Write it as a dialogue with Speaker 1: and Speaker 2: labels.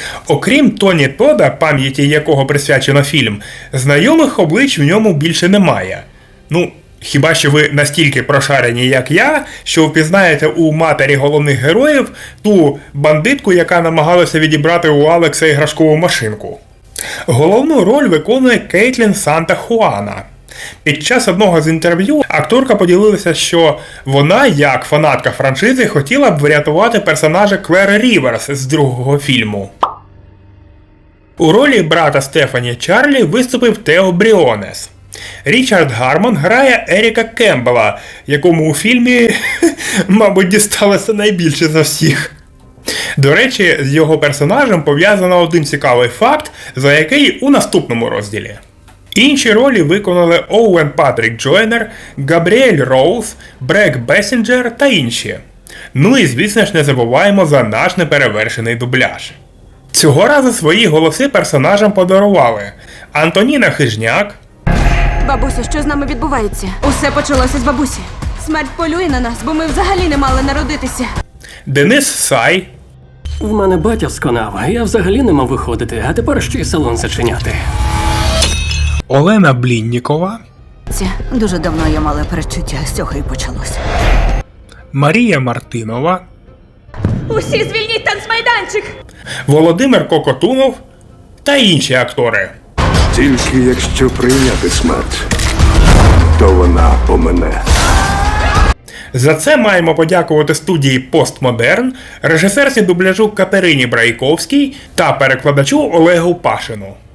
Speaker 1: Окрім Тоні Тода, пам'яті якого присвячено фільм, знайомих облич в ньому більше немає. Ну, хіба що ви настільки прошарені, як я, що впізнаєте у матері головних героїв ту бандитку, яка намагалася відібрати у Алекса іграшкову машинку. Головну роль виконує Кейтлін Санта-Хуана. Під час одного з інтерв'ю акторка поділилася, що вона, як фанатка франшизи, хотіла б врятувати персонажа Клери Ріверс з другого фільму. У ролі брата Стефані Чарлі виступив Тео Бріонес. Річард Гармон грає Еріка Кембела, якому у фільмі, мабуть, дісталося найбільше за всіх. До речі, з його персонажем пов'язано один цікавий факт, за який у наступному розділі. Інші ролі виконали Оуен Патрік Джойнер, Габріель Роуз, Брек Бесінджер та інші. Ну і звісно ж не забуваємо за наш неперевершений дубляж. Цього разу свої голоси персонажам подарували Антоніна Хижняк,
Speaker 2: Бабусю, що з нами відбувається? Усе почалося з бабусі. Смерть полює на нас, бо ми взагалі не мали народитися.
Speaker 1: Денис Сай,
Speaker 3: В мене батя сконав, я взагалі не мав виходити, а тепер ще й салон зачиняти.
Speaker 1: Олена Бліннікова,
Speaker 2: Дуже давно я мала передчуття, з цього і почалося.
Speaker 1: Марія Мартинова,
Speaker 2: Усі звільніть танцмайданчик!
Speaker 1: Володимир Кокотунов та інші актори.
Speaker 4: Тільки якщо прийняти смерть, то вона помине.
Speaker 1: За це маємо подякувати студії «Постмодерн», режисерці дубляжу Катерині Брайковській та перекладачу Олегу Пашину.